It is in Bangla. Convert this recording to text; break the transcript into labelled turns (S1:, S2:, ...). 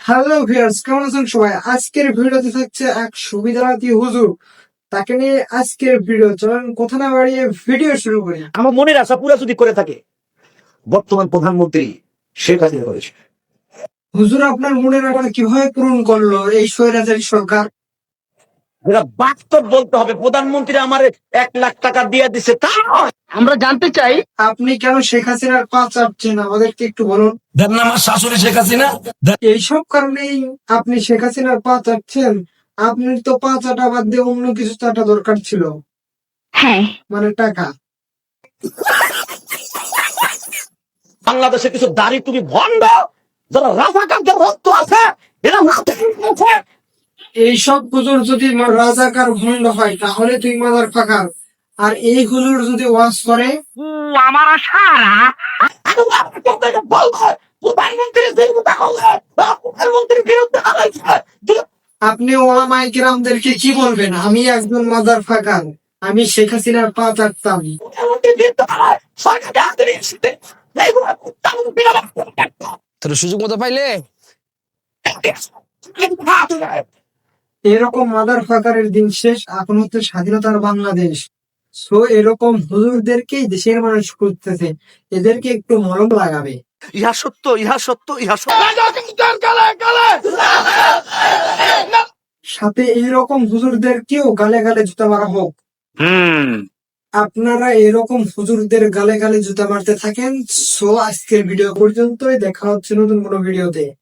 S1: হ্যালো ভিউয়ার্স, কেমন আছেন সবাই? আজকের ভিডিওতে থাকছে এক সুবিধাবাদী হুজুর। তাকে নিয়ে আজকের ভিডিও। চলেন কথা না বাড়িয়ে ভিডিও শুরু করি।
S2: আমার মনের আশা পুরা যদি করে থাকে বর্তমান প্রধানমন্ত্রী শেখ হাসিনা করেছে।
S1: হুজুর আপনার মনের আশা কিভাবে পূরণ করলো এই স্বৈরাচারী সরকার?
S2: যেটা বাস্তব বলতে হবে, প্রধানমন্ত্রী আমার 1 লাখ টাকা দিয়ে দিছে তা নয়। আমরা জানতে চাই
S1: আপনি কেন শেখ হাসিনার পা চাপছেন আমাদেরকে একটু বলুন।
S3: দেন না আমার শাশুড়ি শেখ হাসিনা।
S1: এইসব কারণেই আপনি শেখ হাসিনার পা চাপছেন? আপনার তো পা চাটা বাদ দিয়ে অন্য কিছু চাটা দরকার ছিল।
S4: হ্যাঁ,
S1: মানে টাকা।
S2: বাংলাদেশে কিছু দাড়ি তুমি ভণ্ড যারা রাজাকারদের রক্ত আছে এরা মাথা আছে।
S1: এইসব হুজুর যদি রাজাকার ভণ্ড হয় তাহলে তুই মাদার ফাঁকার। আর এই হুজুর যদি ওয়াজ করে
S2: আমার সারা বলবো প্রধানমন্ত্রী বিরুদ্ধে হলে প্রধানমন্ত্রীর বিরুদ্ধে হয়েছে।
S1: আপনি ওলামায়ে কেরামদেরকে কি বলবেন? আমি একজন মাদার ফাকার, আমি শেখ হাসিনার পা চাটতাম।
S3: তোর সুযোগ মতো পাইলে
S1: এরকম মাদার ফাকারের দিন শেষ, এখন হচ্ছে স্বাধীনতার বাংলাদেশ। সো এরকম হুজুরদেরকেই দেশের মানুষ খুঁজতেছে, এদেরকে একটু মলম লাগাবে।
S2: ইহা সত্য, ইহা সত্য, ইহা সত্য।
S1: সাথে এইরকম হুজুরদেরকেও গালে গালে জুতা মারা হোক। আপনারা এরকম হুজুরদের গালে গালে জুতা মারতে থাকেন। সো আজকের ভিডিও পর্যন্তই, দেখা হচ্ছে নতুন কোনো ভিডিওতে।